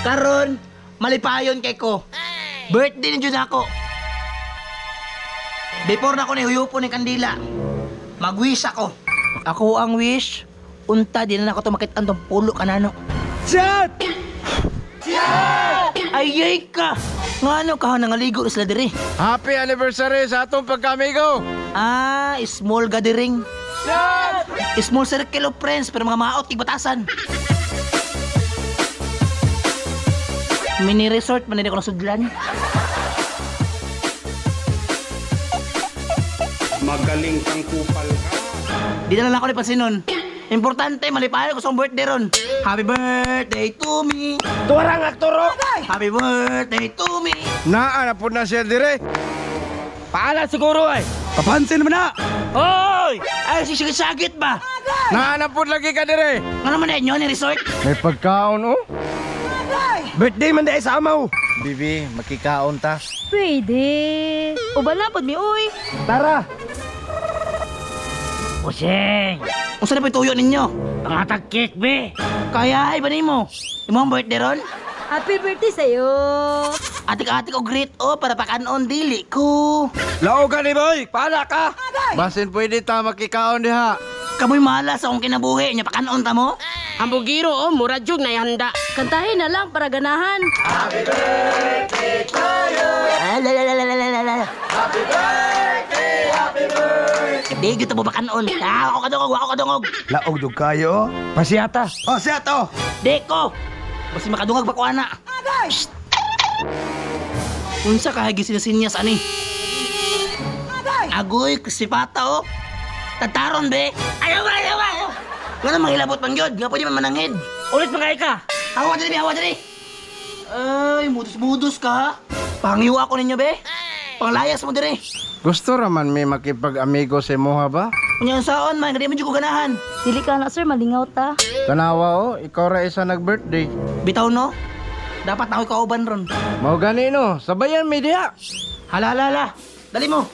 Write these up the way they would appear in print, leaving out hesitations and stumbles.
Karon, malipayon kay ko. Birthday ni Jud ako. Before na ako nihuyupo ni Kandila, mag-wish ako. Ako ang wish, unta din na ako tumakit ang pulo kanano. Chat! Ayay ka! Ngano ka nangaligo na sila diri? Happy anniversary sa atong pagkamigo! Small gathering. Chat! Small circle of friends pero mga maot tigbatasan. Mini resort man din ako nasudlan. Magaling kang kupal ka. Di na lang ako ni pansinon. Importante, malipayan ko sa birthday ron. Happy birthday to me. Tuwarang aktoro! Happy birthday to me. Naa na po na siya dire. Paala siguro ay. Papansin mo na! Hoy! Ay, sisagit ba? Naa na po lagi ka dire. Ano naman na ni resort? May pagkaon oh. Birthday man dahil sa amaw. Bibi, makikaon ta. Pwede. Ubala pod mi uy. Tara! Useng! Kung saan na po yung tuyo ninyo? Pangatag cake, be! Kaya, iba mo. Imong birthday ron? Happy birthday sa'yo. Atik-atik o greet o para pakanon dili ko. Lao ka ni boy! Paala ka! Basin pwede ta makikaon diha. Kamoy malas akong kinabuhi niya pakanon ta mo? Hambugiro o mura jug na ihanda. Kantahin na lang para ganahan. Di kita mo pakanon. Ako kadungog. Laog dug kayo. Pasiyata. Oh, siyato! Di ko! Basta makadungag ba ko ana? Psst! Unsa ka hagi sinasinyas ani? Agoy, sipata o. Tataron be. Ayaw. Nga na manghilabot pang yun. Nga pwede man manangid. Ulit mga ka. Hawa dali. Ay, mudus ka ha. Panghiwa ko ninyo be. Panglayas mo dire. Gusto raman may makipag-amigo sa moha ba? Kunya saon man, hindi mo dyan ko ganahan. Dili ka na sir, malingaw ta. Tanawa oh, ikaw ra isa nag-birthday. Bitaw no? Dapat na ako'y kauban ron. Mao gani no, sabayan mi diha. Hala. Dali mo.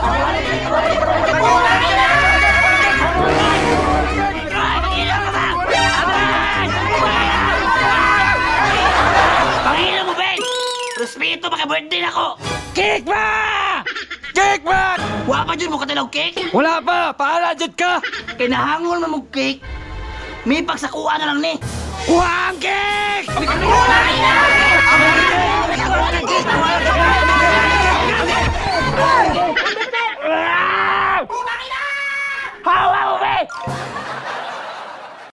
Panginoon mo, Ben! Respeto, maka-birthday na ko! Cake ba? Cake ba? Wa pa dyan mo katilaw cake? Wala pa, paala jud ka. Kinahangol man mong cake. May pagsakuan na lang ni. Kuha ang cake! Hawa mo, Ben!